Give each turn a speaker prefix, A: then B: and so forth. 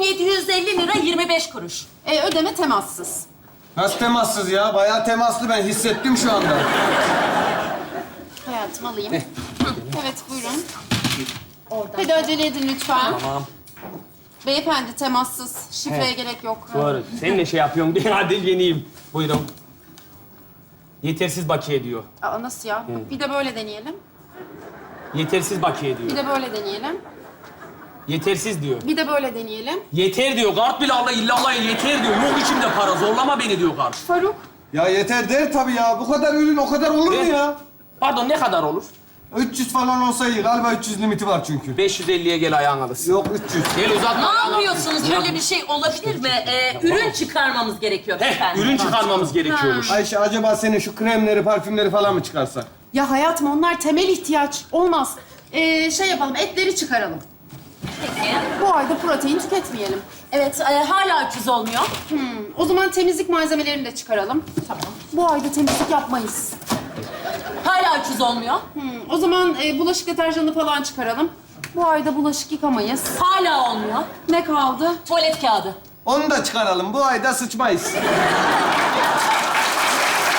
A: 750 lira 25 kuruş.
B: Ödeme temassız.
C: Nasıl temassız ya? Bayağı temaslı, ben hissettim şu anda.
B: Hayatım alayım. Evet, buyurun. Hadi acele edin lütfen.
D: Tamam.
B: Beyefendi temassız. Şifreye gerek yok.
D: Doğru. Sen ne şey yapıyorsun diye hadi yeneyim. Buyurun. Yetersiz bakiye diyor.
B: Aa, nasıl ya? Bir de böyle deneyelim.
D: Yetersiz bakiye
B: Bir
D: diyor.
B: de böyle deneyelim.
D: Yetersiz diyor.
B: Bir de böyle deneyelim.
D: Yeter diyor. Kart bile Allah illallah yeter diyor. Yok içimde para. Zorlama beni diyor kart.
B: Faruk.
C: Ya yeter der tabii ya. Bu kadar ürün o kadar olur mu
D: Evet.
C: ya?
D: Pardon ne kadar olur?
C: 300 falan olsa iyi. Galiba 300 limiti var çünkü.
D: 550'ye gel ayağın alısın.
C: Yok 300.
D: Gel uzatma.
A: Ne
D: ayağın
A: yapıyorsunuz?
D: alısın.
A: Böyle bir şey olabilir mi? Ürün çıkarmamız gerekiyor efendim.
D: Ürün çıkarmamız gerekiyormuş.
C: Ayşe acaba senin şu kremleri, parfümleri falan mı çıkarsak?
B: Ya hayatım onlar temel ihtiyaç. Olmaz. Şey yapalım, etleri çıkaralım.
A: Peki.
B: Bu ayda protein tüketmeyelim.
A: Evet, hala 300 olmuyor.
B: O zaman temizlik malzemelerini de çıkaralım. Tamam. Bu ayda temizlik yapmayız.
A: Hala 300 olmuyor.
B: O zaman bulaşık deterjanı falan çıkaralım. Bu ayda bulaşık yıkamayız.
A: Hala olmuyor.
B: Ne kaldı?
A: Tuvalet kağıdı.
C: Onu da çıkaralım. Bu ayda sıçmayız.